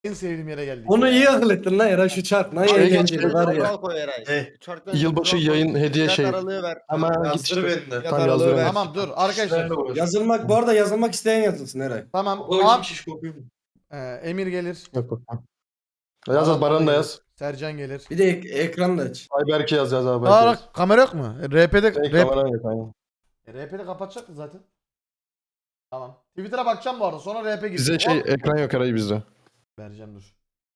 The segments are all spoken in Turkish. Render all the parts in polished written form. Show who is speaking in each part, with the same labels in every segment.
Speaker 1: En sevdiğim yere geldik.
Speaker 2: Onu
Speaker 1: ya.
Speaker 2: iyi akıl ettin lan Eray, şu çark. Ne eğlenceli var ya.
Speaker 3: Kural koy Eray.
Speaker 4: Yılbaşı yayın hediye
Speaker 3: Fiyat
Speaker 4: şey.
Speaker 3: aralığı ver.
Speaker 4: Hemen git işte.
Speaker 2: beni de.
Speaker 4: Tam yazdırıyorum.
Speaker 1: Tamam dur arkadaşlar.
Speaker 2: Yazılmak, bu arada yazılmak isteyen yazılsın Eray.
Speaker 1: Tamam. Emir gelir.
Speaker 4: Yok yok. Yaz Baran'ı da yaz.
Speaker 1: Sercan gelir.
Speaker 2: Bir de ekranı da aç.
Speaker 4: Ayberk'i yaz abi. Ayberk'i
Speaker 1: Aa
Speaker 4: yaz.
Speaker 1: kamera yok mu? RP'de
Speaker 4: Kameran yok aynen.
Speaker 1: RP'de kapatacaktı zaten. Tamam. Twitter'a bakacağım bu arada. Sonra RP
Speaker 4: Bize
Speaker 1: gireceğim.
Speaker 4: ekran yok Eray bizde.
Speaker 1: Vereceğim dur.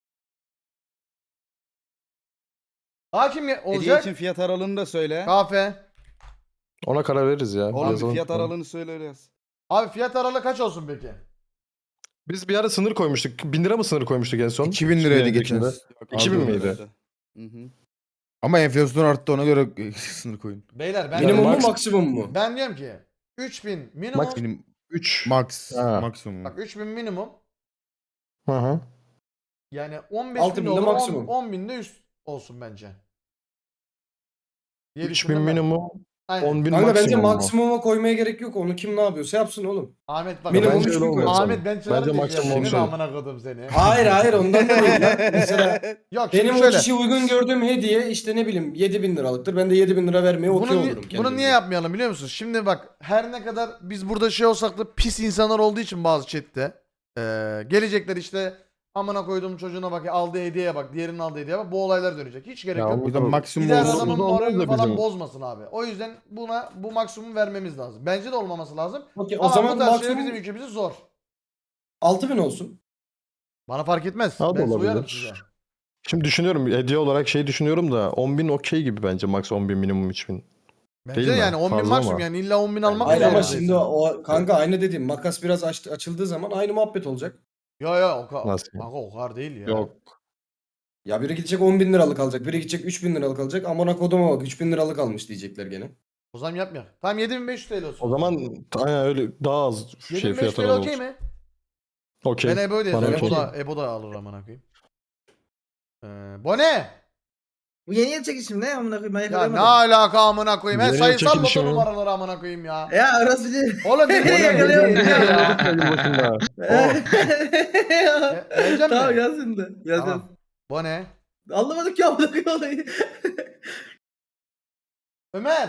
Speaker 1: Hakim
Speaker 5: Hediye
Speaker 1: olacak.
Speaker 5: için fiyat aralığını da söyle.
Speaker 1: Kafe.
Speaker 4: Ona karar veririz ya.
Speaker 5: Oğlum bir
Speaker 4: Yazalım.
Speaker 5: fiyat aralığını söyle öyle yaz.
Speaker 1: Abi fiyat aralığı kaç olsun peki?
Speaker 4: Biz bir ara sınır koymuştuk. 1000 lira mı sınır koymuştuk en son?
Speaker 6: 2000 liraydı geçen.
Speaker 4: Yok, 2000 miydi?
Speaker 5: Hı hı.
Speaker 6: Ama enflasyon arttı, ona göre sınır koyun.
Speaker 1: Beyler ben
Speaker 2: Minimum mu
Speaker 4: max-
Speaker 2: maksimum mu?
Speaker 1: ben diyorum ki 3000 minimum.
Speaker 6: Benim
Speaker 4: 3.
Speaker 6: max
Speaker 4: Ha.
Speaker 6: maksimum.
Speaker 1: Bak 3000 minimum.
Speaker 4: Hı hı.
Speaker 1: Yani 15
Speaker 2: 6000
Speaker 1: bin
Speaker 2: de
Speaker 1: olur,
Speaker 2: maksimum.
Speaker 1: 10 bin de üst olsun bence. Diye
Speaker 4: 3000
Speaker 1: düşündüm ben.
Speaker 4: minimum.
Speaker 1: Aynen.
Speaker 4: 10.000
Speaker 2: Kanka bence
Speaker 4: maksimum mu?
Speaker 2: maksimuma koymaya gerek yok. Onu kim ne yapıyorsa yapsın oğlum.
Speaker 1: Ahmet bak.
Speaker 2: Minimum
Speaker 4: Bence
Speaker 2: 3000
Speaker 4: öyle olmuyor.
Speaker 2: koy.
Speaker 1: Ahmet ben çağırdım
Speaker 4: Bence
Speaker 1: diye
Speaker 4: maksimum
Speaker 1: senin
Speaker 4: olsun.
Speaker 1: amına kodum seni.
Speaker 2: Hayır ondan dolayı lan. Mesela
Speaker 1: Yok
Speaker 2: benim
Speaker 1: şimdi
Speaker 2: o
Speaker 1: şöyle.
Speaker 2: kişiye uygun gördüğüm hediye işte ne bileyim 7000 liralıktır. Ben de 7000 lira vermeye okey
Speaker 1: Bunu,
Speaker 2: olurum
Speaker 1: bunu
Speaker 2: kendime.
Speaker 1: niye yapmayalım biliyor musunuz? Şimdi bak her ne kadar biz burada şey olsak da pis insanlar olduğu için bazı chatte gelecekler işte amına koyduğum çocuğuna bak aldığı hediyeye bak diğerinin aldığı hediyeye bak bu olaylar dönecek. Hiç gerek
Speaker 4: Ya
Speaker 1: yok.
Speaker 4: onu-
Speaker 6: O yüzden maksimum
Speaker 1: Gider
Speaker 4: olsun.
Speaker 1: adamın
Speaker 4: Olmaz da
Speaker 1: moralini falan
Speaker 4: bizim.
Speaker 1: bozmasın abi. O yüzden bu maksimumu vermemiz lazım. Bence de olmaması lazım.
Speaker 2: Okey, o
Speaker 1: Ama
Speaker 2: zaman
Speaker 1: bu tarz şeyler
Speaker 2: maksimum
Speaker 1: bizim ülkemizde zor.
Speaker 2: 6000 olsun.
Speaker 1: Bana fark etmez.
Speaker 4: Ha, da
Speaker 1: Ben
Speaker 4: olabilir.
Speaker 1: uyarım size.
Speaker 4: Şimdi düşünüyorum hediye olarak şey düşünüyorum da 10.000 okey gibi bence max 10.000 minimum 3000.
Speaker 1: Bence
Speaker 4: Değil mi?
Speaker 1: yani 10 bin
Speaker 4: Fazla
Speaker 1: maksimum
Speaker 4: ama.
Speaker 1: yani illa 10 bin almak
Speaker 2: Hayır ama
Speaker 1: zorundayız.
Speaker 2: şimdi o kanka aynı dediğim makas biraz açıldığı zaman aynı muhabbet olacak.
Speaker 1: Yo o kadar.
Speaker 4: Nasıl?
Speaker 1: Kanka o kadar değil ya.
Speaker 4: Yok.
Speaker 2: Ya biri gidecek 10.000 liralık alacak. Biri gidecek 3.000 liralık alacak. Amına koduma bak 3.000 liralık almış diyecekler gene.
Speaker 1: O zaman yapmayalım. Tamam 7500 TL olsun.
Speaker 4: O zaman aynen öyle daha az şey
Speaker 1: 7500
Speaker 4: fiyat
Speaker 1: TL
Speaker 4: aralığı
Speaker 1: okey
Speaker 4: olsun.
Speaker 1: mi?
Speaker 4: Okey.
Speaker 1: Ben Ebo diye
Speaker 4: Bana
Speaker 1: yazıyorum.
Speaker 4: okey.
Speaker 1: Ebo da alır amına koyayım. Bu ne?
Speaker 3: Bu yeni yıl çekişim ne amına koyayım ben
Speaker 1: Ya
Speaker 3: yakalayamadım.
Speaker 1: ne alaka amına koyayım? Ben
Speaker 4: Nereye
Speaker 1: sayısal
Speaker 4: çekilişi
Speaker 1: loto
Speaker 4: mi?
Speaker 1: numaraları amına koyayım ya.
Speaker 3: Ya arası değil.
Speaker 1: Oğlum beni
Speaker 3: Nereye yakalayamadım ya?
Speaker 1: Vereceğim
Speaker 3: Tamam
Speaker 1: mi?
Speaker 3: yaz şimdi. Yaz yaz.
Speaker 1: Tamam. Bu ne?
Speaker 3: Anlamadık ya amına koyayım olayı.
Speaker 1: Ömer.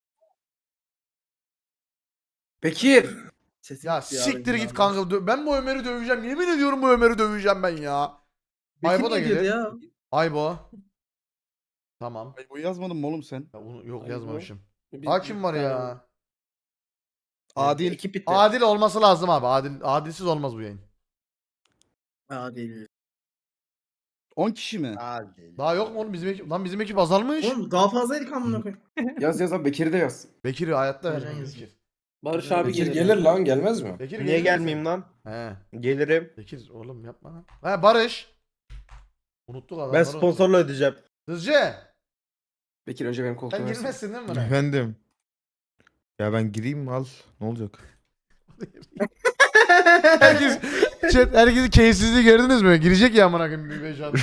Speaker 3: Bekir. Sesim
Speaker 1: Ya
Speaker 3: gitti
Speaker 1: siktir
Speaker 3: abi,
Speaker 1: git
Speaker 3: ya.
Speaker 1: kanka. Ben bu Ömer'i döveceğim. Yemin ediyorum bu Ömer'i döveceğim ben ya.
Speaker 3: Bekir
Speaker 1: Aybo da
Speaker 3: ne diyordu
Speaker 1: gelir.
Speaker 3: ya?
Speaker 1: Aybo. Tamam.
Speaker 5: Ay, bu yazmadın mı oğlum sen?
Speaker 1: Ya yok
Speaker 3: Aybo.
Speaker 1: yazmamışım. Hakim var ya.
Speaker 5: Adil.
Speaker 3: Ekip bitti.
Speaker 1: Adil olması lazım abi. Adilsiz olmaz bu yayın.
Speaker 3: Adil.
Speaker 5: 10 kişi mi?
Speaker 3: Adil.
Speaker 1: Daha yok mu oğlum bizim ekip? Lan bizim ekip azalmış.
Speaker 3: Oğlum daha fazlaydık amına koyayım.
Speaker 7: Yaz abi Bekir'i de yaz.
Speaker 1: Bekir hayatta
Speaker 3: Sercan
Speaker 1: vermez
Speaker 3: yazıyor.
Speaker 1: Bekir.
Speaker 7: Barış abi
Speaker 2: Bekir
Speaker 7: gelir.
Speaker 2: gelir lan gelmez mi?
Speaker 1: Bekir
Speaker 7: Niye
Speaker 1: gelir misin?
Speaker 7: gelmeyeyim lan?
Speaker 1: He.
Speaker 7: Gelirim.
Speaker 1: Bekir oğlum yapma lan. He Barış. Unuttuk adamları.
Speaker 7: Ben sponsorla ödeyeceğim.
Speaker 1: Hızcı.
Speaker 7: Bekir önce benim koltuğuma
Speaker 1: Sen
Speaker 7: versin.
Speaker 1: girmezsin değil mi buna?
Speaker 6: Efendim. Ya ben gireyim mi, al. Ne olacak?
Speaker 1: Herkesi keyifsizliği gördünüz mü? Girecek ya amına koyayım bir beş adam.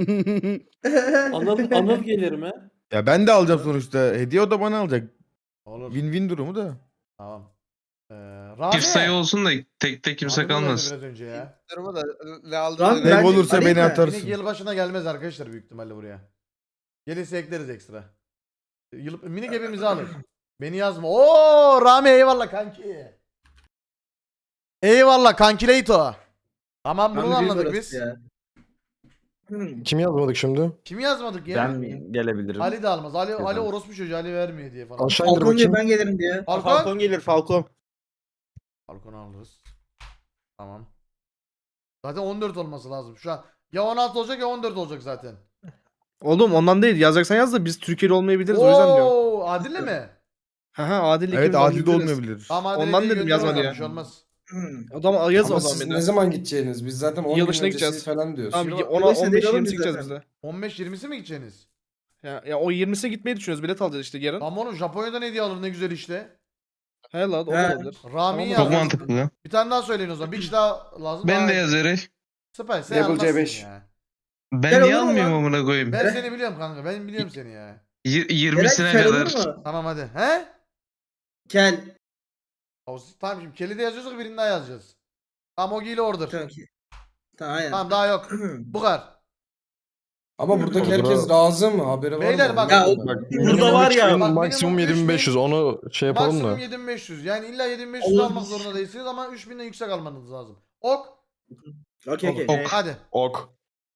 Speaker 8: Anıl gelir mi?
Speaker 6: Ya ben de alacağım sonuçta. Hediye o da bana alacak.
Speaker 1: Olur.
Speaker 6: Win-win durumu da.
Speaker 1: Tamam. Rami.
Speaker 9: Çift sayı olsun da tek tek kimse
Speaker 1: Rami buradaydı
Speaker 9: kalmasın.
Speaker 1: Biraz önce ya.
Speaker 7: Duruma da ne aldı?
Speaker 3: Lan
Speaker 6: Ne
Speaker 3: bence
Speaker 6: olursa
Speaker 3: arayayım
Speaker 6: beni
Speaker 3: mı?
Speaker 6: atarsın.
Speaker 1: Yine yılbaşına gelmez arkadaşlar büyük ihtimalle buraya. Gelirse ekleriz ekstra. Minik hepimizi alır. Beni yazma. Oo Rami eyvallah kanki. Eyvallah kankileyto. Tamam bunu da anladık biz.
Speaker 4: Kim yazmadık şimdi?
Speaker 1: Kim yazmadık ya?
Speaker 7: gelebilirim.
Speaker 1: Ali de almaz. Ali orospu çocuğu Ali vermiyor diye falan.
Speaker 4: Aşağı indir
Speaker 3: Falcon
Speaker 4: bakayım.
Speaker 3: ben gelirim diye.
Speaker 1: Falcon.
Speaker 7: gelir Falcon.
Speaker 1: Falcon'u alırız. Tamam. Zaten 14 olması lazım şu an. Ya 16 olacak ya 14 olacak zaten.
Speaker 7: Oğlum ondan değil. Yazacaksan yaz da biz Türkiye'li olmayabiliriz o yüzden diyorum.
Speaker 1: Oo, Adil'le mi?
Speaker 7: Haha Adil'le
Speaker 6: Evet,
Speaker 7: ikimiz
Speaker 6: adil de
Speaker 7: olabiliriz.
Speaker 6: olmayabilir.
Speaker 1: Tamam Adil'e
Speaker 7: Ondan
Speaker 1: hediye
Speaker 7: dedim,
Speaker 1: gönder
Speaker 7: yazma
Speaker 1: bakalım,
Speaker 7: diye.
Speaker 1: bir şey olmaz.
Speaker 7: O zaman yaz
Speaker 2: Ama
Speaker 7: o zaman
Speaker 2: siz
Speaker 7: beni.
Speaker 2: ne zaman gideceğiniz? Biz zaten 10 gün
Speaker 7: Yılbaşına
Speaker 2: öncesi
Speaker 7: gideceğiz.
Speaker 2: falan diyoruz.
Speaker 7: Tamam
Speaker 1: Yıl-
Speaker 7: 10'a
Speaker 3: Yılbaşına değil
Speaker 7: 15
Speaker 3: oğlum
Speaker 7: 20
Speaker 3: biz
Speaker 7: gideceğiz
Speaker 3: zaten.
Speaker 7: biz de.
Speaker 1: 15-20'si mi gideceksiniz?
Speaker 7: Ya o 20'sine gitmeyi düşünüyoruz. Bilet alacağız işte yarın.
Speaker 1: Tamam oğlum Japonya'dan hediye alır ne güzel işte.
Speaker 7: He lan o da
Speaker 3: He.
Speaker 7: olabilir.
Speaker 1: Rami'yi
Speaker 7: Tamam,
Speaker 9: Çok
Speaker 1: yaz.
Speaker 9: mantıklı.
Speaker 1: Bir tane daha söyleyin o zaman. Bir kişi daha lazım.
Speaker 9: Ben
Speaker 1: Daha-
Speaker 9: de yazarım.
Speaker 1: Süper sen
Speaker 7: Level
Speaker 1: almazsın
Speaker 7: C5.
Speaker 1: ya.
Speaker 9: Ben
Speaker 3: Gel
Speaker 9: niye
Speaker 3: olur mu
Speaker 9: almıyorum
Speaker 3: lan?
Speaker 9: amına koyayım?
Speaker 1: Ben seni biliyorum kanka. Ben biliyorum seni ya.
Speaker 9: 20'sine
Speaker 3: Kel olur
Speaker 9: kadar.
Speaker 3: mu?
Speaker 1: Tamam hadi. He?
Speaker 3: Kel.
Speaker 1: Tamam şimdi kelide yazıyorsak birini daha yazacağız. Tamam o giyle order.
Speaker 3: Tamam ki. Aynen.
Speaker 1: Tamam daha yok. Bu kadar.
Speaker 2: Ama buradaki
Speaker 4: Olur
Speaker 2: herkes
Speaker 4: abi.
Speaker 2: razı mı? Haberi var
Speaker 1: Beyler
Speaker 2: mı?
Speaker 1: bak-
Speaker 3: Ya,
Speaker 4: Bak,
Speaker 3: Burada var ya,
Speaker 1: bak,
Speaker 4: maksimum
Speaker 1: minimum
Speaker 4: 7500 onu şey yapalım
Speaker 1: Maksimum
Speaker 4: da.
Speaker 1: 7500. Yani illa 7500
Speaker 3: Olur.
Speaker 1: almak zorunda değilsiniz ama 3000'den yüksek almanız lazım. Ok.
Speaker 3: Okey okey.
Speaker 1: Hadi.
Speaker 4: Ok.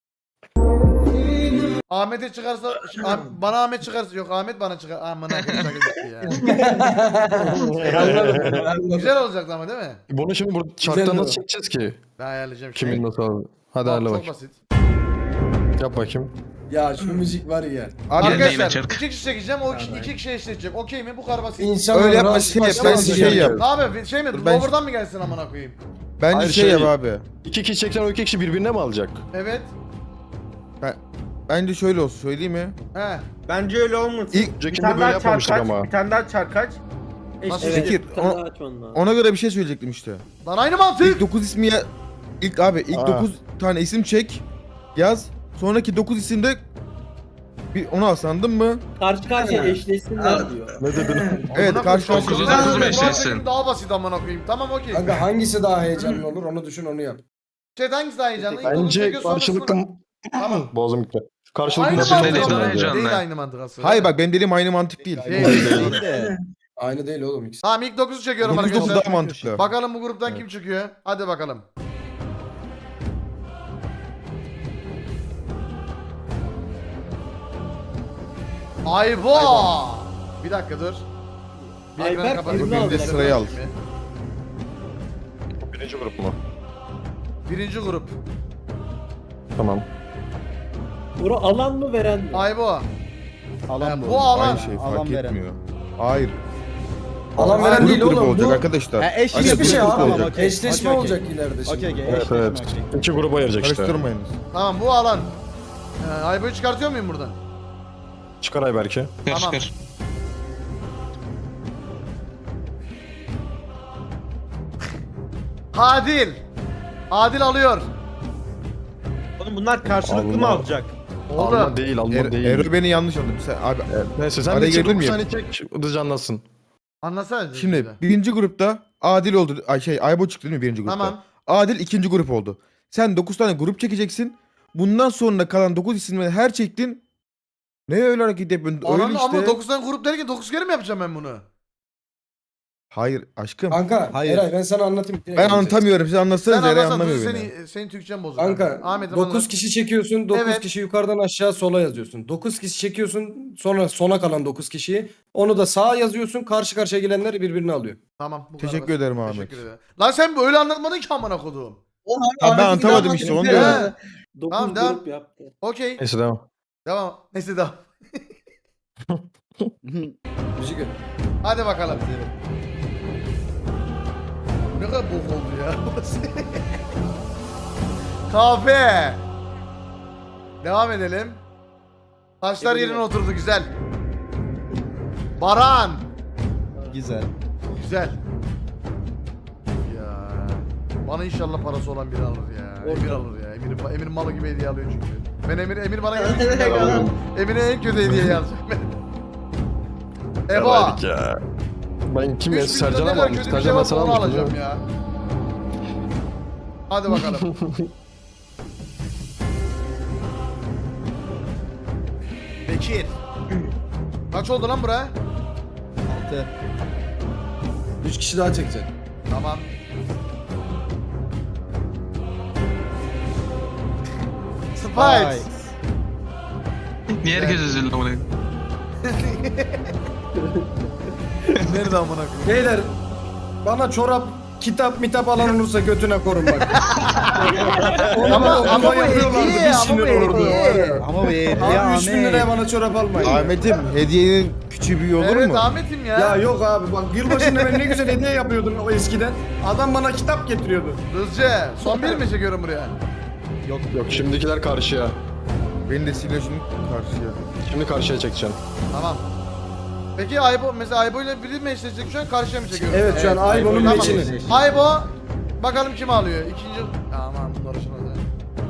Speaker 1: Ahmet'e çıkarsa bana Ahmet çıkarsa yok Ahmet bana çıkar. Aman Ahmet şaka gitti ya.
Speaker 2: Anladım.
Speaker 1: Güzel olacaktı ama değil mi?
Speaker 4: Bunu şimdi burada
Speaker 2: Güzel
Speaker 4: çarktan
Speaker 2: mi?
Speaker 4: nasıl çekeceğiz ki?
Speaker 1: Ben ayarlayacağım şimdi.
Speaker 4: Kimin nasıl aldı? Hadi
Speaker 1: Bak,
Speaker 4: ayarla
Speaker 1: çok
Speaker 4: bakayım.
Speaker 1: basit.
Speaker 4: Yap bakayım.
Speaker 2: Ya şu müzik var ya.
Speaker 6: Abi
Speaker 9: Yine
Speaker 1: Arkadaşlar
Speaker 9: çark.
Speaker 1: 2 kişi çekeceğim o
Speaker 3: Tamam.
Speaker 1: 2 kişi eşleşecek. Okey mi? Bu kadar basit.
Speaker 2: İnsanlar
Speaker 6: öyle yapma
Speaker 2: razı
Speaker 6: şey yap.
Speaker 2: başlamaz
Speaker 6: Ben
Speaker 2: ya.
Speaker 6: şey yap.
Speaker 1: Abi şey mi?
Speaker 6: Dur, ben-
Speaker 1: Lower'dan mı gelsin amına koyayım?
Speaker 6: Bence
Speaker 4: Hayır,
Speaker 6: şey
Speaker 4: şey-
Speaker 6: yap abi.
Speaker 4: 2 kişi çeksen o 2 kişi birbirine mi alacak?
Speaker 1: Evet.
Speaker 6: Bence şöyle olsun söyleyeyim mi?
Speaker 1: He.
Speaker 8: Bence öyle olmasın.
Speaker 6: İlk
Speaker 4: Öncekinde böyle yapmamıştık ama.
Speaker 8: Bir tane daha çarkaç.
Speaker 1: Nasıl
Speaker 8: Eşleştir.
Speaker 6: Bekir, ona göre bir şey söyleyecektim işte.
Speaker 1: Lan aynı mantık.
Speaker 6: İlk 9 ismi ya... İlk abi ilk
Speaker 4: Aa.
Speaker 6: 9 tane isim çek. Yaz. Sonraki 9 isimde bir onu as anladın mı?
Speaker 8: Karşı karşıya eşleşsinler diyor.
Speaker 4: Ne dedin?
Speaker 6: Evet
Speaker 1: Amına
Speaker 6: karşı
Speaker 1: koyayım,
Speaker 6: karşıya.
Speaker 9: Dokuz,
Speaker 1: çok
Speaker 9: dokuz
Speaker 1: güzel.
Speaker 9: mu
Speaker 1: Bu
Speaker 9: eşleşsin?
Speaker 1: hareketim daha basit amına koyayım. Tamam okey.
Speaker 2: Kanka hangisi daha heyecanlı olur onu düşün onu yap.
Speaker 1: Chat hangisi daha heyecanlı? İlk dokuz
Speaker 4: Bence
Speaker 1: çekiyor, sonrasında-
Speaker 4: karşılıklı...
Speaker 1: Tamam.
Speaker 4: Boğazım gitti. Karşılıklı
Speaker 1: Aynı
Speaker 4: nasıl
Speaker 1: mantık
Speaker 9: Dediğin
Speaker 1: ama.
Speaker 9: daha
Speaker 4: bence.
Speaker 9: heyecanlı.
Speaker 1: Değil aynı mantık aslında.
Speaker 6: Hayır bak benim dediğim aynı mantık değil.
Speaker 1: Değil.
Speaker 2: Aynı değil oğlum ikisi.
Speaker 1: Tamam ilk 9'u çekiyorum
Speaker 6: 9
Speaker 1: arkadaşlar.
Speaker 6: daha mantıklı.
Speaker 1: Bakalım bu gruptan kim çıkıyor? Hadi bakalım. Aybo! Bir dakika dur. Bir ekranı
Speaker 8: Ayberk
Speaker 1: kapat.
Speaker 8: birini
Speaker 6: Bir de
Speaker 8: alacak.
Speaker 6: sırayı al.
Speaker 4: Birinci grup mu?
Speaker 1: Birinci grup.
Speaker 4: Tamam.
Speaker 8: Bura alan mı veren mi?
Speaker 1: Aybo.
Speaker 5: Alan
Speaker 1: Bu alan.
Speaker 6: Aynı şey
Speaker 5: Alan
Speaker 6: fark
Speaker 5: veren.
Speaker 6: etmiyor. Hayır.
Speaker 2: Alan veren
Speaker 6: Grup
Speaker 2: değil
Speaker 6: grup
Speaker 2: oğlum
Speaker 6: olacak
Speaker 2: bu.
Speaker 6: arkadaşlar.
Speaker 5: Ha, eş
Speaker 6: Aynen,
Speaker 2: Hiçbir
Speaker 6: grup
Speaker 2: şey
Speaker 6: grup
Speaker 2: abi.
Speaker 6: olacak.
Speaker 5: Okey,
Speaker 2: Eşleşme
Speaker 5: okey,
Speaker 2: olacak ileride şimdi.
Speaker 5: Okey okey.
Speaker 4: Evet
Speaker 5: eşleşme,
Speaker 4: evet.
Speaker 5: okey.
Speaker 4: 2 gruba ayıracak işte.
Speaker 6: Karıştırmayınız.
Speaker 1: Tamam bu alan. Aybo'yu çıkartıyor muyum buradan?
Speaker 4: Çıkar Ayberk'i.
Speaker 9: Çıkar
Speaker 1: Tamam.
Speaker 9: çıkar.
Speaker 1: Adil. Adil alıyor.
Speaker 8: Oğlum bunlar karşılıklı mı
Speaker 4: Allah.
Speaker 8: alacak?
Speaker 1: Oğlum.
Speaker 4: Alma değil alma değil.
Speaker 6: Ero beni yanlış anladı. Sen, abi
Speaker 4: Neyse sen
Speaker 6: Araya
Speaker 4: bir
Speaker 6: girebilir
Speaker 4: 9
Speaker 6: miyim?
Speaker 4: saniye çek hızlıca anlatsın.
Speaker 1: Anlasana.
Speaker 6: şimdi birinci grupta Adil oldu. Ay şey Aybo çıktı değil mi birinci grupta?
Speaker 1: Tamam.
Speaker 6: Adil ikinci grup oldu. Sen 9 tane grup çekeceksin. Bundan sonra kalan 9 isimleri her çektin. Ne öyle hareket yapıyorsun? Öyle
Speaker 1: Ananı
Speaker 6: işte.
Speaker 1: ama 9 tane grup derken 9 kere mi yapacağım ben bunu?
Speaker 6: Hayır aşkım.
Speaker 2: Kanka
Speaker 5: Hayır.
Speaker 2: Eray ben sana anlatayım. Direkt
Speaker 6: Ben
Speaker 2: anlatacağım.
Speaker 6: anlatamıyorum. Siz anlatsanız
Speaker 1: Sen
Speaker 6: Eray
Speaker 1: anlasan
Speaker 6: anlamıyor
Speaker 1: dur,
Speaker 6: beni.
Speaker 1: senin Türkçen bozuk.
Speaker 2: Kanka
Speaker 1: Ahmet'im
Speaker 2: 9
Speaker 1: anlat.
Speaker 2: kişi çekiyorsun 9
Speaker 1: Evet.
Speaker 2: kişi yukarıdan aşağı sola yazıyorsun. 9 kişi çekiyorsun sonra sona kalan 9 kişiyi onu da sağa yazıyorsun karşı karşıya gelenler birbirini alıyor.
Speaker 1: Tamam. bu
Speaker 6: Teşekkür
Speaker 1: kadar.
Speaker 6: ederim Ahmet.
Speaker 1: Teşekkür ederim. Lan sen böyle anlatmadın ki amına koduğum.
Speaker 6: Ha, ben anlatamadım işte onu diyorum.
Speaker 1: He.
Speaker 8: 9
Speaker 1: Tamam, devam.
Speaker 8: grup yaptı.
Speaker 1: Okey.
Speaker 4: Neyse devam.
Speaker 1: Devam. Neyse devam.
Speaker 2: Müzik öyle.
Speaker 1: Hadi bakalım. Bu ne kadar bok oldu ya. Kahve. Devam edelim. Taşlar yerine oturdu güzel. Baran.
Speaker 5: Güzel.
Speaker 1: Güzel. Ya. Bana inşallah parası olan biri alır ya. Emir alır ya. Emir malı gibi hediye alıyor çünkü. Ben Emir bana gelmiş gibi alıyorum. Emir'e en kötü hediye yazacağım ben. Ebo.
Speaker 4: Yalaydık ya. Ben kim ya?
Speaker 1: 3
Speaker 4: Sercan'a
Speaker 1: milyonda
Speaker 4: mı
Speaker 1: ne kadar
Speaker 4: almıştım?
Speaker 1: kötü bir şey
Speaker 4: Sercan'a
Speaker 1: varsa
Speaker 4: sana
Speaker 1: onu
Speaker 4: almıştım.
Speaker 1: alacağım ya. Hadi bakalım. Bekir. Kaç oldu lan bura?
Speaker 5: 6.
Speaker 2: 3 kişi daha çekecek.
Speaker 1: Tamam. Spice.
Speaker 9: Niye herkes üzüldü amına?
Speaker 1: Nerede amına koyayım?
Speaker 2: Beyler bana çorap kitap mitap alan olursa götüne korun bak.
Speaker 1: Ama bu
Speaker 2: yapıyorlardı,
Speaker 1: hediye,
Speaker 2: bir
Speaker 1: ama
Speaker 2: sinir
Speaker 1: bu
Speaker 2: olurdu.
Speaker 1: hediye.
Speaker 5: Ama bu hediye
Speaker 2: Abi 3000 liraya
Speaker 5: Ahmet.
Speaker 2: bana çorap almayın. ya.
Speaker 6: Ahmet'im hediyenin küçüğü büyüğü olur
Speaker 1: Evet
Speaker 6: mu?
Speaker 1: Ahmet'im ya.
Speaker 2: Ya yok abi bak yılbaşında ben ne güzel hediye yapıyordum o eskiden. Adam bana kitap getiriyordu.
Speaker 1: Hızlıca. Son bir mi çekiyorum buraya?
Speaker 4: Yok yok şimdikiler karşıya.
Speaker 6: Beni de silajın karşıya.
Speaker 4: Şimdi karşıya çekeceğim.
Speaker 1: Tamam. Peki Aybo mesela Aybo ile biri mi eşleşecek şu an karşıya mı çekiyoruz?
Speaker 2: Evet şu an Aybo'nun
Speaker 1: Tamam.
Speaker 2: meçini.
Speaker 1: Aybo bakalım kim alıyor? İkinci... Aman bunlar hoşuna da.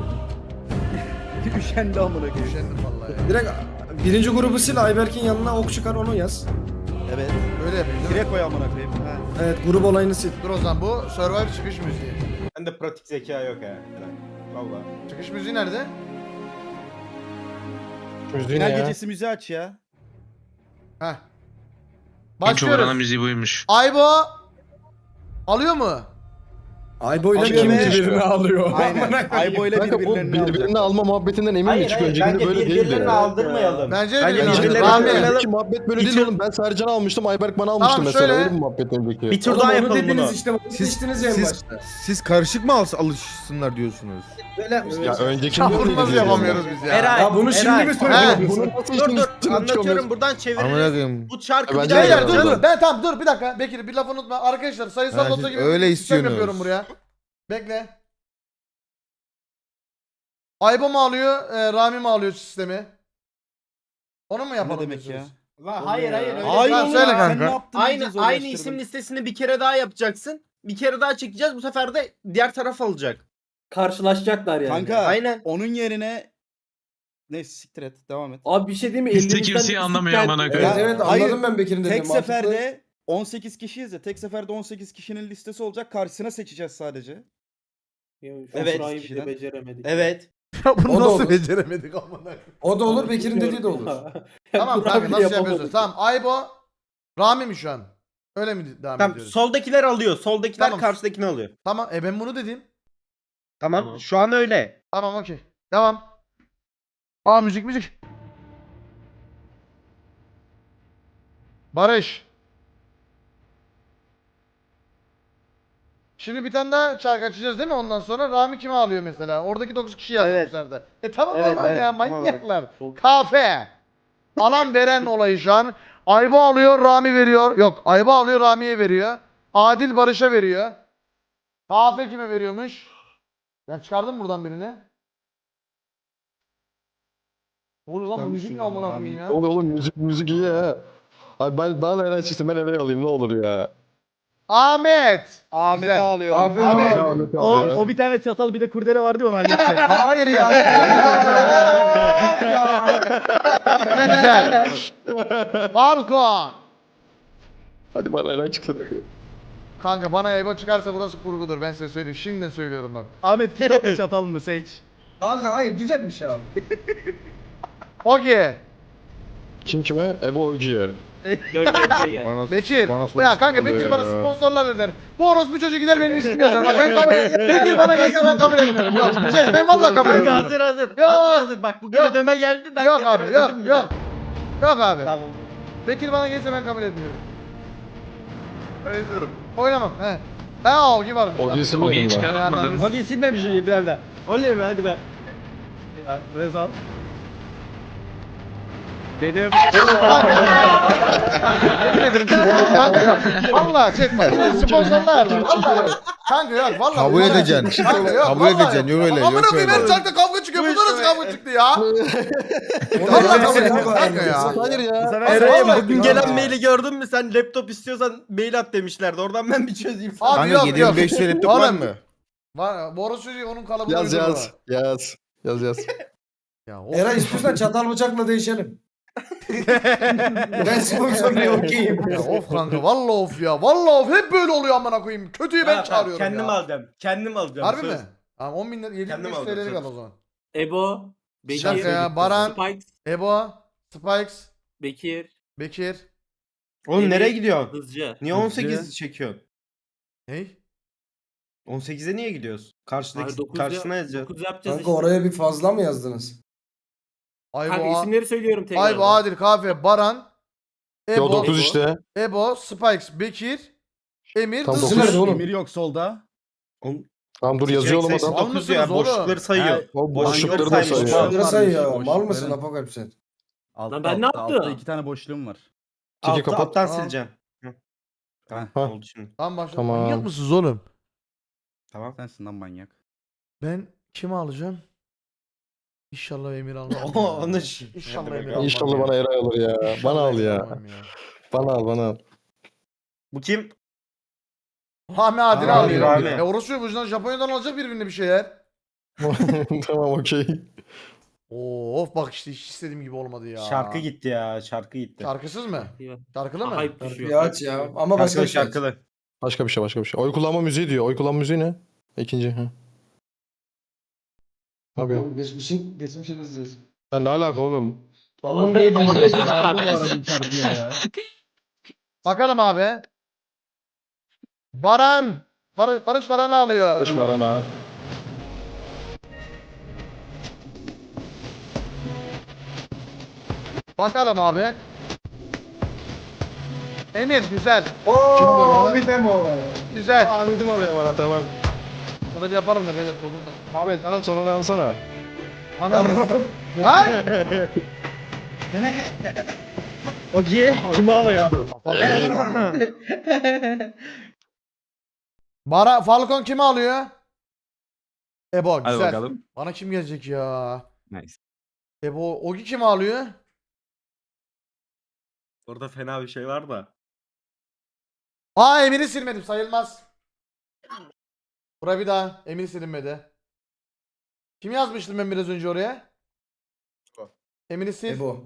Speaker 5: Üşendi amına koyayım.
Speaker 1: Üşendim vallahi ya.
Speaker 2: Direkt birinci grubu sil Ayberk'in yanına ok çıkar onu yaz.
Speaker 5: Evet.
Speaker 1: Böyle yapayım değil mi?
Speaker 5: Direkt koy amına koyayım. Ha.
Speaker 2: Evet grup olayını sil.
Speaker 1: Dur o zaman bu Survivor çıkış müziği.
Speaker 8: Bende pratik zeka yok ha.
Speaker 5: Valla.
Speaker 1: Çıkış müziği nerede?
Speaker 4: Müziği ne
Speaker 5: Final
Speaker 4: ya?
Speaker 5: gecesi müziği aç ya.
Speaker 1: Heh.
Speaker 9: En çok oranın
Speaker 1: Başlıyoruz.
Speaker 9: müziği buymuş.
Speaker 1: Aybo alıyor mu?
Speaker 2: Aybo'yla
Speaker 5: Alıyor
Speaker 2: kim
Speaker 5: ve-
Speaker 2: birbirini alıyor?
Speaker 5: Aynen. Aybo ile
Speaker 4: Kanka bu
Speaker 5: birbirlerini
Speaker 4: birbirini
Speaker 5: alacaklar.
Speaker 4: alma muhabbetinden emin mi
Speaker 3: Hayır
Speaker 4: çık?
Speaker 3: hayır
Speaker 4: Öncekinde
Speaker 3: bence
Speaker 4: böyle değildi.
Speaker 3: birbirlerini aldırmayalım.
Speaker 1: Bence
Speaker 3: Bence
Speaker 1: birbirlerini
Speaker 3: birbirlerini
Speaker 1: Rami.
Speaker 3: almayalım.
Speaker 4: Önceki muhabbet böyle değil oğlum. Ben Sercan'ı almıştım. Ayberk bana almıştı
Speaker 1: Tamam,
Speaker 4: mesela.
Speaker 1: şöyle-
Speaker 4: Öyle bir muhabbet önceki.
Speaker 3: Bir tur
Speaker 2: Oğlum
Speaker 3: daha
Speaker 2: onu
Speaker 3: yapalım
Speaker 2: dediniz
Speaker 3: bunu.
Speaker 2: işte. Bunu seçtiniz ya en
Speaker 6: Siz,
Speaker 2: başta.
Speaker 6: siz karışık mı alışsınlar diyorsunuz?
Speaker 2: Böyle yapmışsınız.
Speaker 4: Ya öncekinde
Speaker 1: Ya bunu
Speaker 4: öyleydi
Speaker 1: nasıl
Speaker 4: diyorum
Speaker 1: yapamıyoruz
Speaker 4: ben.
Speaker 1: biz ya?
Speaker 3: Eray,
Speaker 2: Ya bunu şimdi
Speaker 3: Eray.
Speaker 2: mi
Speaker 1: He.
Speaker 2: söylüyorsun?
Speaker 4: Bunu nasıl
Speaker 3: Dur dur
Speaker 4: içtiğini
Speaker 3: anlatıyorum buradan
Speaker 6: Amına
Speaker 3: çeviririz.
Speaker 6: koyayım.
Speaker 3: Bu çarkı
Speaker 4: Bence
Speaker 3: bir daha
Speaker 4: de
Speaker 1: Beyler
Speaker 3: yapacağız.
Speaker 1: dur. Ben tamam dur bir dakika. Bekir bir laf unutma. Arkadaşlar sayısal
Speaker 6: Ha,
Speaker 1: loto
Speaker 6: siz
Speaker 1: gibi
Speaker 6: öyle
Speaker 1: bir sistem
Speaker 6: istiyorsunuz.
Speaker 1: yapıyorum buraya. Bekle. Aybo mu alıyor, Rami mi alıyor sistemi? Onu mu yapalım?
Speaker 5: Ne demek ya?
Speaker 1: diyorsunuz?
Speaker 3: Hayır hayır öyle
Speaker 5: Hayır
Speaker 1: Tamam,
Speaker 5: oğlum
Speaker 1: söyle
Speaker 5: ya,
Speaker 1: kanka.
Speaker 5: sen ne yaptın?
Speaker 3: Aynı
Speaker 5: iyice
Speaker 3: aynı
Speaker 5: zorlaştırdın.
Speaker 3: isim listesini bir kere daha yapacaksın. Bir kere daha çekeceğiz. Bu sefer de diğer taraf alacak.
Speaker 8: Karşılaşacaklar yani.
Speaker 5: Kanka
Speaker 3: Aynen.
Speaker 5: onun yerine... Neyse siktir et. Devam et.
Speaker 8: Abi bir şey değil mi?
Speaker 9: Kimse
Speaker 8: Elimizden
Speaker 9: kimseyi anlamıyor
Speaker 8: ıslık
Speaker 9: amına
Speaker 8: geldi.
Speaker 9: koyayım.
Speaker 2: Evet evet
Speaker 5: Hayır,
Speaker 2: anladım ben Bekir'in dediğini.
Speaker 5: Tek seferde 18 kişiyiz ya. Tek seferde 18 kişinin listesi olacak. Karşısına seçeceğiz sadece.
Speaker 8: Ya, şu
Speaker 5: Evet,
Speaker 8: şurayı bile
Speaker 5: kişiden.
Speaker 8: beceremedik.
Speaker 5: Evet.
Speaker 1: Ya
Speaker 2: O
Speaker 1: bunu
Speaker 2: da
Speaker 1: nasıl
Speaker 2: olur.
Speaker 1: beceremedik amına?
Speaker 2: O da olur Bekir'in dediği de olur.
Speaker 1: Tamam
Speaker 8: Kur'an
Speaker 1: kanka
Speaker 8: bile
Speaker 1: nasıl
Speaker 8: yapamadık.
Speaker 1: yapıyorsunuz? Tamam Aybo, Rami mi şu an? Öyle mi devam
Speaker 3: Tamam
Speaker 1: ediyoruz?
Speaker 3: soldakiler alıyor. Soldakiler
Speaker 1: Tamam.
Speaker 3: karşıdakini alıyor.
Speaker 1: Tamam ben bunu dedim.
Speaker 3: Tamam. Şu an öyle.
Speaker 1: Tamam okey. Devam. Aa müzik. Barış. Şimdi bir tane daha şarkı açacağız değil mi ondan sonra? Rami kimi alıyor mesela? Oradaki 9 kişi yazmışlar da. Tamam
Speaker 3: Evet,
Speaker 1: normal
Speaker 3: evet.
Speaker 1: ya manyaklar. Kafe. Alan veren olayı şu an. Aybo alıyor Rami veriyor. Yok Aybo alıyor Rami'ye veriyor. Adil Barış'a veriyor. Kafe kime veriyormuş? Ben çıkardım buradan birini. Ne oluyor lan bu müzik ne amına koyayım ya?
Speaker 4: Oğlum müzik iyi ya. Abi ben bana nereden çıksın ben nereye alayım ne olur ya.
Speaker 1: Ahmet.
Speaker 5: Ahmet'i alıyor.
Speaker 4: Ahmet.
Speaker 8: O bir tane çatal bir de kurdele vardı ya onlar gitti.
Speaker 1: Hayır ya. Güzel. Falcon.
Speaker 4: Hadi bana nereden çıksın.
Speaker 1: Kanka bana Ebo çıkarsa burası kurgudur. Ben size söyleyeyim. Şimdiden söylüyorum bak.
Speaker 8: Ahmet bir çatal mı seç?
Speaker 2: Kanka hayır güzelmiş ya.
Speaker 1: Okey.
Speaker 4: Kim kime? Evo Ogier.
Speaker 1: Bekir.
Speaker 6: Bana
Speaker 1: Ya kanka Bekir
Speaker 6: ya.
Speaker 1: bana sponsorlar öder. Bu orospu çocuğu gider benim ismimi yazar. Bak ben kabul Bekir bana gelse ben kabul etmiyorum. Yok. Ben vallahi kabul etmiyorum.
Speaker 3: Hazır.
Speaker 1: Yok.
Speaker 3: Hazır. Bak bu ödeme geldi.
Speaker 1: Yok abi yok. Yok abi.
Speaker 3: Tamam.
Speaker 1: Bekir bana gelse ben kabul etmiyorum. Öyle diyorum. Oynamam. He. Ha o kim var?
Speaker 4: Ogier isim
Speaker 9: Ogi'yi
Speaker 4: mi?
Speaker 9: çıkartmadın.
Speaker 8: Hadi silmemiş bir de. Oley be hadi be. Ya, Rezal. Dedim.
Speaker 1: Yemin ederim kanka. Valla çekme. Sponsorlar var. Vallahi. Kanka yok vallahi.
Speaker 6: Kabul
Speaker 1: bunlar-
Speaker 6: edeceksin.
Speaker 1: Kanka yok.
Speaker 6: Kabul
Speaker 1: vallahi
Speaker 6: edeceksin. Yok öyle.
Speaker 1: Amına
Speaker 6: Yok
Speaker 1: koyayım her
Speaker 6: öyle.
Speaker 1: çarkta kavga çıkıyor.
Speaker 3: Bu
Speaker 1: Bunda
Speaker 3: işte
Speaker 1: nasıl
Speaker 3: be.
Speaker 1: kavga çıktı ya?
Speaker 2: Vallahi
Speaker 1: Vallahi kabul
Speaker 2: kabul
Speaker 1: etmiyorum kanka ya.
Speaker 4: Hayır ya.
Speaker 3: Eray'ım
Speaker 1: Vallahi
Speaker 3: bugün
Speaker 1: kanka.
Speaker 3: gelen maili gördün mü sen laptop istiyorsan mail at demişlerdi. Oradan ben bir çözeyim sana.
Speaker 1: Abi
Speaker 6: Kanka
Speaker 1: yok
Speaker 6: 7500
Speaker 1: yok.
Speaker 6: laptop var
Speaker 1: Oğlum,
Speaker 6: mı?
Speaker 1: Var. Boros çocuğu onun kalıbına
Speaker 4: Yaz
Speaker 1: uydurma.
Speaker 4: yaz.
Speaker 1: Ya, of.
Speaker 2: Eray istiyorsan çatal bıçakla değişelim. Ben sponsorluya okeyim.
Speaker 1: Ya of kanka vallahi of ya. Vallahi of hep böyle oluyor amına koyayım. Kötüyü ben çağırıyorum
Speaker 3: Kendim
Speaker 1: ya.
Speaker 3: alacağım. Kendim alacağım.
Speaker 1: Harbi
Speaker 3: söz.
Speaker 1: mi? Tamam 10 bin lira 7
Speaker 3: Kendim
Speaker 1: bin
Speaker 3: aldım,
Speaker 1: TL'lik
Speaker 3: söz.
Speaker 1: al o zaman.
Speaker 8: Ebo.
Speaker 1: Bir dakika ya Baran,
Speaker 8: Spikes.
Speaker 1: Ebo, Spikes,
Speaker 8: Bekir.
Speaker 1: Bekir.
Speaker 3: Oğlum
Speaker 8: Emir,
Speaker 3: nereye gidiyorsun?
Speaker 8: Hızcı.
Speaker 3: Niye 18 çekiyorsun?
Speaker 1: Ney?
Speaker 3: 18'e niye gidiyoruz? Karşıdaki
Speaker 8: Hayır, dokuz
Speaker 3: karşısına
Speaker 8: ya-
Speaker 3: yazacağız.
Speaker 8: 9 yapacağız
Speaker 2: Kanka
Speaker 8: işte.
Speaker 2: oraya bir fazla mı yazdınız?
Speaker 1: Aybo,
Speaker 8: Kanka isimleri söylüyorum tekrar.
Speaker 1: Aybo, Adil, Kafe, Baran,
Speaker 4: Yo
Speaker 1: Ebo,
Speaker 4: 9 işte.
Speaker 1: Ebo, Spikes, Bekir, Emir,
Speaker 4: Tam
Speaker 1: Dızcı.
Speaker 2: dokuz. Nerede oğlum?
Speaker 5: Emir yok solda.
Speaker 4: Tamam dur yazıyor oğlum adam.
Speaker 3: 9 ya
Speaker 1: Almışsınız oğlum.
Speaker 3: boşlukları sayıyor.
Speaker 4: O
Speaker 3: Boşlukları
Speaker 4: boşlukları da
Speaker 3: saymış.
Speaker 4: sayıyor.
Speaker 2: Şunları sayıyor.
Speaker 5: Boş
Speaker 2: Mal mısın
Speaker 5: verin.
Speaker 2: Apokalip sen?
Speaker 5: Altta,
Speaker 8: ben ne
Speaker 5: altta,
Speaker 8: yaptım?
Speaker 5: Altta 2 tane boşluğum var.
Speaker 4: Tiki kapat.
Speaker 3: Alttan
Speaker 1: Tamam.
Speaker 3: sileceğim. Hı. Tamam
Speaker 4: Ha.
Speaker 3: oldu şimdi.
Speaker 1: Tamam başla.
Speaker 4: Tamam.
Speaker 1: Manyak mısınız oğlum?
Speaker 3: Tamam.
Speaker 5: Sensin lan manyak.
Speaker 1: Ben kimi alacağım? İnşallah Emir almam.
Speaker 3: Onu
Speaker 1: İnşallah Emir almam.
Speaker 4: İnşallah bana Eray alır ya.
Speaker 1: İnşallah
Speaker 4: Bana al
Speaker 1: Emir
Speaker 4: ya.
Speaker 1: almam
Speaker 4: Bana al.
Speaker 3: Bu kim?
Speaker 1: Rami Adil
Speaker 5: Rami,
Speaker 1: alıyor.
Speaker 3: Rami.
Speaker 1: Orası bu yüzden Japonya'dan alacak birbirine bir şeyler.
Speaker 4: Tamam okey.
Speaker 1: Of bak işte hiç istediğim gibi olmadı ya.
Speaker 3: Şarkı gitti ya. Şarkı gitti.
Speaker 1: Şarkısız mı? Şarkılı mı?
Speaker 8: Hype düşüyor.
Speaker 2: Bir aç ya. Ama başka
Speaker 3: Şarkılı
Speaker 2: bir şey.
Speaker 3: şarkılı.
Speaker 4: Başka bir şey. Oy kullanma müziği diyor. Oy kullanma müziği ne? İkinci. Ha. Abi.
Speaker 8: Geçmişiniz.
Speaker 4: Ya ne alaka oğlum?
Speaker 1: Bakalım abi. Baran. Barış Baran'ı alıyor.
Speaker 4: Barana.
Speaker 1: Bakalım abi. Emir güzel.
Speaker 8: Ooo bir demo.
Speaker 1: Güzel.
Speaker 4: Ahmet'im alıyor bana tamam.
Speaker 1: Bunu bir yapalım da beyler.
Speaker 4: Ahmet sana sonra alsana.
Speaker 1: Ha?
Speaker 8: Okey. Kimi alıyor?
Speaker 1: Falcon kimi alıyor? Ebo
Speaker 10: Hadi
Speaker 1: güzel.
Speaker 10: bakalım.
Speaker 1: Bana kim gelecek ya?
Speaker 10: Nice.
Speaker 1: Ebo Ogi kimi alıyor?
Speaker 10: Orada fena bir şey var da.
Speaker 1: Aa Emir'i silmedim sayılmaz. Bura bir daha. Emir silinmedi. Kim yazmıştım ben biraz önce oraya? Emir'i sil.
Speaker 2: Ebo.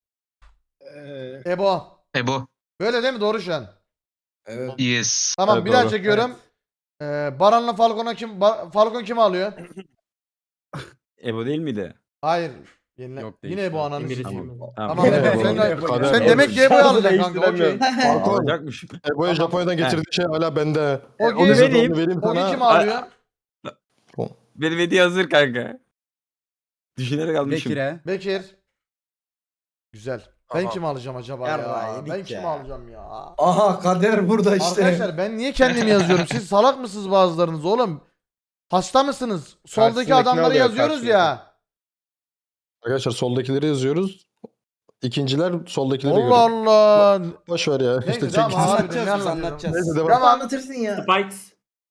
Speaker 1: Ebo.
Speaker 9: Ebo.
Speaker 1: Böyle değil mi? Doğru şu an.
Speaker 2: Evet.
Speaker 9: Yes.
Speaker 1: Tamam
Speaker 4: Evet,
Speaker 1: bir daha
Speaker 4: doğru.
Speaker 1: çekiyorum. Baran'la Falcon'a Falcon kimi alıyor?
Speaker 10: Ebo değil miydi?
Speaker 1: Hayır.
Speaker 10: Yok,
Speaker 1: Yine
Speaker 10: değil.
Speaker 1: Ebo ananı
Speaker 8: Emir'i
Speaker 1: sikeyim.
Speaker 8: silmedim.
Speaker 1: Tamam Ebo.
Speaker 4: Kader.
Speaker 1: Sen demek ki Ebo'yu alacaksın kanka. Okey.
Speaker 4: Falcon.
Speaker 10: Alacakmış.
Speaker 4: Ebo'ya Japonya'dan getirdiği şey hala bende.
Speaker 1: Ogi.
Speaker 10: Onu vereyim.
Speaker 4: Vereyim
Speaker 1: Ogi
Speaker 4: sana.
Speaker 1: kimi alıyor?
Speaker 10: Benim hediye hazır kanka. Düşünerek almışım.
Speaker 5: Bekir'e.
Speaker 1: Bekir. Güzel. Ben kimi alacağım acaba ya?
Speaker 5: Yarrağı
Speaker 1: Ben
Speaker 5: yedik
Speaker 1: kimi
Speaker 5: ya.
Speaker 1: alacağım ya?
Speaker 2: Aha kader burada işte.
Speaker 1: Arkadaşlar ben niye kendimi yazıyorum? Siz salak mısınız bazılarınız oğlum? Hasta mısınız? Soldaki
Speaker 6: Karşısındakini
Speaker 1: adamları
Speaker 6: alıyor,
Speaker 1: yazıyoruz
Speaker 6: karşısındaki.
Speaker 1: ya.
Speaker 4: Arkadaşlar soldakileri yazıyoruz. İkinciler soldakileri
Speaker 1: Allah
Speaker 4: görüyor.
Speaker 1: Allah.
Speaker 4: Boş ver ya.
Speaker 1: Neyse
Speaker 4: İşte
Speaker 1: tamam
Speaker 4: çek-
Speaker 1: abi. Ne
Speaker 5: Anlatacağız biz
Speaker 1: anlatıyorum?
Speaker 5: anlatacağız.
Speaker 4: Neyse devam.
Speaker 1: Tamam.
Speaker 2: Anlatırsın ya.
Speaker 8: Spikes.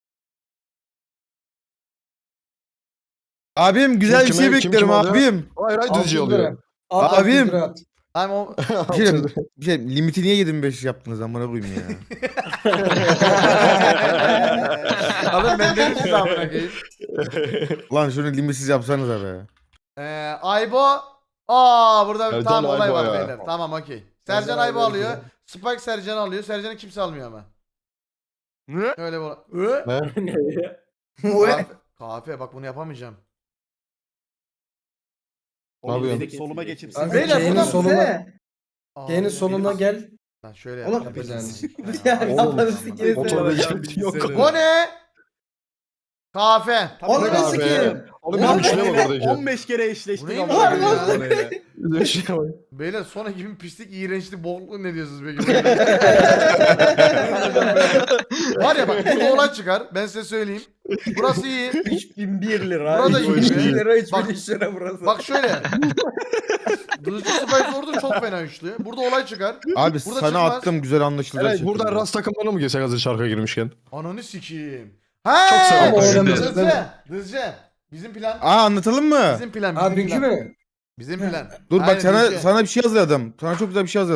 Speaker 6: Abim güzel bir
Speaker 4: Kim
Speaker 6: şey
Speaker 4: kime- kim
Speaker 6: bekliyorum
Speaker 4: kim alıyor?
Speaker 6: abim.
Speaker 4: Hayır hayır düzce
Speaker 2: 600 lira.
Speaker 4: oluyor.
Speaker 6: Abim.
Speaker 1: Tamam o...
Speaker 6: Bir şey limiti niye 25 yaptınız amına koyayım ya.
Speaker 1: Alın ben de size amına koyayım.
Speaker 6: Lan şunu limitsiz yapsanıza be.
Speaker 1: Aybo. Aa burada
Speaker 4: Sercan
Speaker 1: tamam olay
Speaker 4: Aybo
Speaker 1: var
Speaker 4: ya.
Speaker 1: beyler. Tamam okey. Sercan
Speaker 2: Sercan
Speaker 1: Aybo
Speaker 2: Aybo
Speaker 1: alıyor.
Speaker 2: güzel.
Speaker 1: Spike Sercan alıyor. Sercan'ı kimse almıyor ama.
Speaker 8: Ne?
Speaker 1: Öyle bu.
Speaker 4: Ne?
Speaker 1: Kahve bak bunu yapamayacağım.
Speaker 4: Ne yapıyorsun?
Speaker 5: Soluma geçip
Speaker 2: Kanka,
Speaker 1: Beyler,
Speaker 2: Kane'in
Speaker 1: buradan-
Speaker 2: sonuna,
Speaker 1: Aa,
Speaker 2: Kane'in sonuna gel.
Speaker 1: Lan şöyle
Speaker 2: Oğlum,
Speaker 1: yapacağız.
Speaker 2: Kafanı sikeyim.
Speaker 4: Motor bir yok.
Speaker 1: Bu ne? Kahve.
Speaker 2: Onu
Speaker 4: Abi.
Speaker 2: sikeyim.
Speaker 4: Oğlum bizim üçlü var oradaki.
Speaker 5: 15 kere
Speaker 1: Bu
Speaker 5: eşleştik
Speaker 1: neymiş
Speaker 5: ama.
Speaker 1: ya?
Speaker 4: Bizim üçlü var.
Speaker 1: Beyler sonra gibi pislik, iğrençlik, bokluk ne diyorsunuz peki? Var ya bak burada olay çıkar. Ben size söyleyeyim. Burası iyi.
Speaker 5: 3001 lira.
Speaker 1: Burada iyi.
Speaker 5: 3001 lira,
Speaker 1: Bak-
Speaker 5: 3003 lira burası.
Speaker 1: Bak şöyle. Dızcı Spice orada çok fena üçlü. Burada olay çıkar.
Speaker 6: Abi
Speaker 1: Burada
Speaker 6: sana
Speaker 1: çıkmaz.
Speaker 6: attım güzel anlaşılacak.
Speaker 4: Evet
Speaker 6: şekilde.
Speaker 4: buradan rast takımlarına mı geçsek hazır şarkıya girmişken?
Speaker 1: Ananı sikeyim. Ha!
Speaker 4: Çok selam
Speaker 2: oynayacağız, değil mi?
Speaker 1: Dızcı. Bizim plan.
Speaker 6: Aa anlatalım mı?
Speaker 1: Bizim plan.
Speaker 2: Ha
Speaker 1: Bizim
Speaker 2: dünkü
Speaker 1: plan.
Speaker 2: mü?
Speaker 1: Bizim plan.
Speaker 6: Dur
Speaker 1: Aynen,
Speaker 6: bak sana
Speaker 1: dünkü.
Speaker 6: sana bir şey hazırladım. Sana çok güzel bir şey hazırladım.